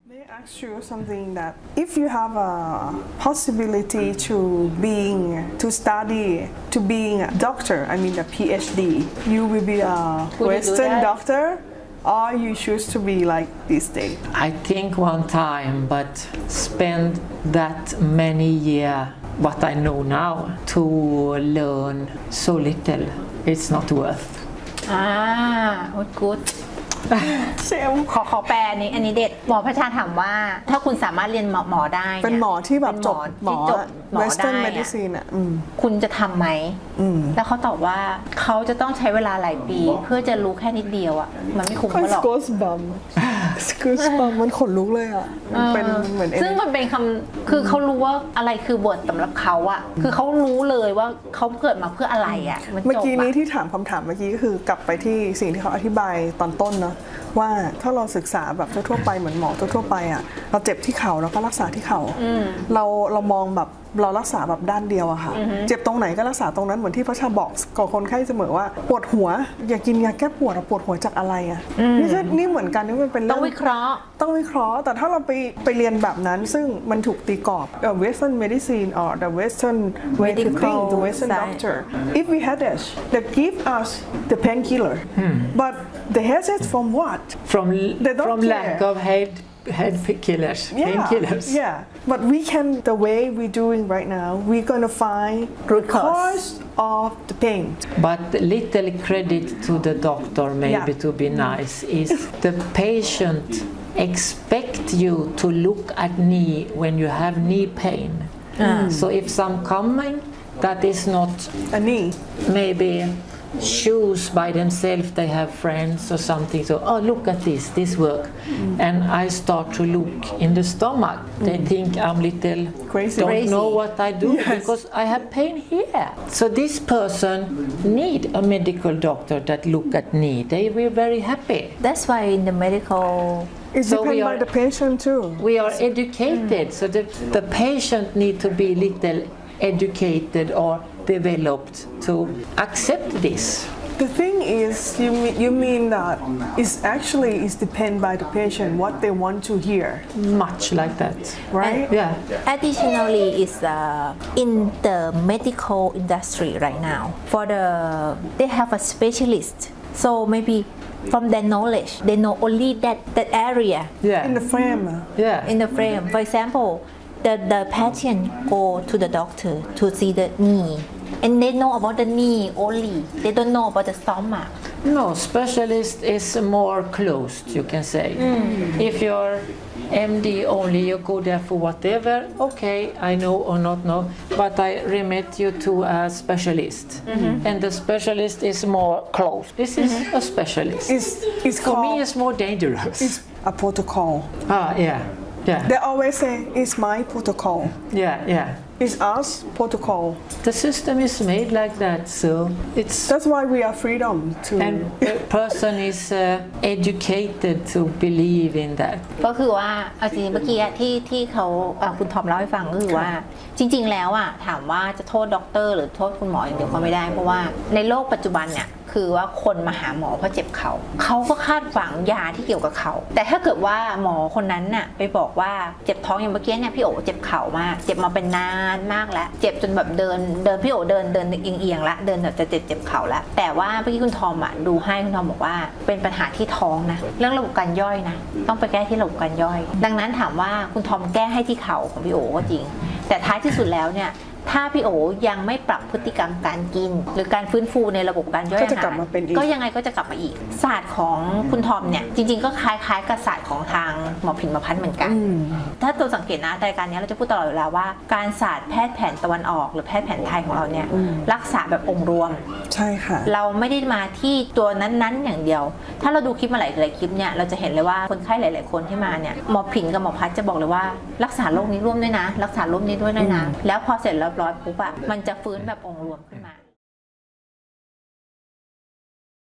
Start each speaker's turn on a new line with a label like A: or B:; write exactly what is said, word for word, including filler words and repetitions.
A: May I ask you something that if you have a possibility to being to study to being a doctor, I mean a PhD, you will be a Western doctor, or you choose to be like this day?
B: I think one time, but spend that many years, what I know now, to learn so little, it's not worth.
C: อ่า good
A: เซม
C: ขอขอแปลนี้อันนี้เด็ดหมอพระชาถามว่าถ้าคุณสามารถเรียนหมอได้ย
A: เป็นหมอที่แบบจบหมอ
C: ที่จบหมอ
A: Western
C: ได้
A: medicine อ่ะอืม
C: คุณจะทำไหม
A: อืม
C: แล้วเขาตอบว่าเขาจะต้องใช้เวลาหลายปี เพื่อจะรู้แค่นิดเดียวอ่ะมันไม่คุ้ม
A: ค่อย
C: เขาหรอก
A: สกูสบัมสกูสบัมมันขนลุกเลยอ่ะมันเป็นเหมือน
C: ซึ่งมันเป็นคำคือเขารู้ว่าอะไรคือบทสำหรับเขาอะคือเขารู้เลยว่าเขาเกิดมาเพื่ออะไรอะมันจบ
A: เมื่อกี้นี้
C: อะ
A: ที่ถามคำถามเมื่อกี้ก็คือกลับไปที่สิ่งที่เขาอธิบายตอนต้นเนาะว่าถ้าเราศึกษาแบบทั่วๆไปเหมือนหมอทั่วๆไปอ่ะเราเจ็บที่เข่าเราก็รักษาที่เข่าเราเรามองแบบเรารักษาแบบด้านเดียวอะค่ะเจ็บตรงไหนก็รักษาตรงนั้นเหมือนที่พระชาบอกกับคนไข้เสมอว่าปวดหัวอย่ากินยาแก้ปวดอะปวดหัวจากอะไรอะนี่ก็นี่เหมือนกันนี่มันเป็น
C: ต้องวิเคราะห์
A: ต้องวิเคราะห์แต่ถ้าเราไปไปเรียนแบบนั้นซึ่งมันถูกตีกรอบ Western medicine or the Western way to think the Western doctor if we had this they give us the painkiller but they has it from what
B: From
A: They don't
B: from
A: care.
B: lack of head head killers,
A: yeah
B: painkillers.
A: yeah but we can the way we're doing right now we're gonna find
C: Root
A: the
C: cause.
A: cause of the pain
B: But little credit to the doctor, maybe
A: Yeah.
B: to be nice, is the patient expect you to look at knee when you have knee pain. So if some coming that is not
A: a knee
B: maybe choose by themselves, they have friends or something, so oh look at this this work and I start to look in the stomach, they think I'm little
A: Crazy.
B: don't
C: Crazy.
B: know what I do
A: Yes.
B: because I have pain here. So this person need a medical doctor that look at knee, they will very happy.
C: That's why in the medical
A: it
B: So
A: depends
B: we
A: by
B: are-
A: the patient too
B: We are educated, so the, the patient need to be little educated or developed to accept this.
A: The thing is, you mean, you mean that it's actually is depend by the patient what they want to hear,
B: Much like that.
A: right?
B: Yeah.
C: additionally is uh, in the medical industry right now for the they have a specialist so maybe from their knowledge they know only that that area
B: Yeah.
A: In the frame.
B: yeah.
C: in the frame for example the the patient go to the doctor to see the knee and they know about the knee only they don't know about the stomach
B: No, specialist is more closed, you can say. If you're M D only, you go there for whatever, okay, I know or not know, but I remit you to a specialist. And the specialist is more closed. This is a specialist.
A: It's it's
B: For me,
A: called
B: it's more dangerous.
A: it's a protocol.
B: Ah, yeah, yeah,
A: They always say it's my protocol.
B: yeah, yeah.
A: It's us protocol.
B: The system is made like that, so it's
A: That's why we are freedom to.
B: and the person is uh, educated to believe in that.
C: ก็คือว่าเอาจริงๆเมื่อกี้อะที่ที่เขาอ่ะคุณทอมเล่าให้ฟังก็คือว่าจริง ๆ แล้วอะถามว่าจะโทษด็อกเตอร์หรือโทษคุณหมออย่างเดียวก็ไม่ได้เพราะว่าในโลกปัจจุบันเนี่ยคือว่าคนมาหาหมอเพราะเจ็บเขาเขาก็คาดหวังยาที่เกี่ยวกับเขาแต่ถ้าเกิดว่าหมอคนนั้นน่ะไปบอกว่าเจ็บท้องอย่างเมื่อกี้เนี่ยพี่โอเจ็บเข่ามากเจ็บมาเป็นนานมากแล้วเจ็บจนแบบเดินเดินพี่โอเดินเดินเอียงๆละเดินแบบจะเจ็บเจ็บเข่าละแต่ว่าเมื่อกี้คุณทอมอะดูให้คุณทอมบอกว่าเป็นปัญหาที่ท้องนะเรื่องระบบการย่อยนะต้องไปแก้ที่ระบบการย่อย ดังนั้นถามว่าคุณทอมแก้ให้ที่เข่าของพี่โอก็จริงแต่ท้ายที่สุดแล้วเนี่ยถ้าพี่โอยังไม่ปรับพฤติกรรมการกิน หรือการฟื้นฟูในระบบการย่อย
A: ก็
C: อา
A: จะกลั
C: หา
A: บ
C: ร
A: มาเป็นอีก
C: ก็ยังไงก็จะกลับมาอีกศาสตร์ของคุณทอมเนี่ยจริงๆก็คล้ายๆกับศาสตร์ของทางหมอผินหมอพันธ์เหมือนกัน ถ้าตัวสังเกตนะรายการนี้เราจะพูดตลอดเวลาว่าการศาสตร์แพทย์แผนตะวันออกหรือแพทย์แผนไทยของเราเนี่ยรักษาแบบองค์รวม
A: ใช่ค่ะ
C: เราไม่ได้มาที่ตัวนั้นๆอย่างเดียว ถ้าเราดูคลิปมาหลายๆคลิปเนี่ยเราจะเห็นเลยว่าคนไข้หลายๆคนที่มาเนี่ยหมอผินกับหมอพัดจะบอกเลยว่ารักษาโรคนี้ร่วมด้วยนะ รักษาโรคนี้ด้วยด้วยนะ แล้วพอเสร็จเรียบร้อยปุ๊บอะมันจะฟื้นแบบองค์รวมขึ้นมา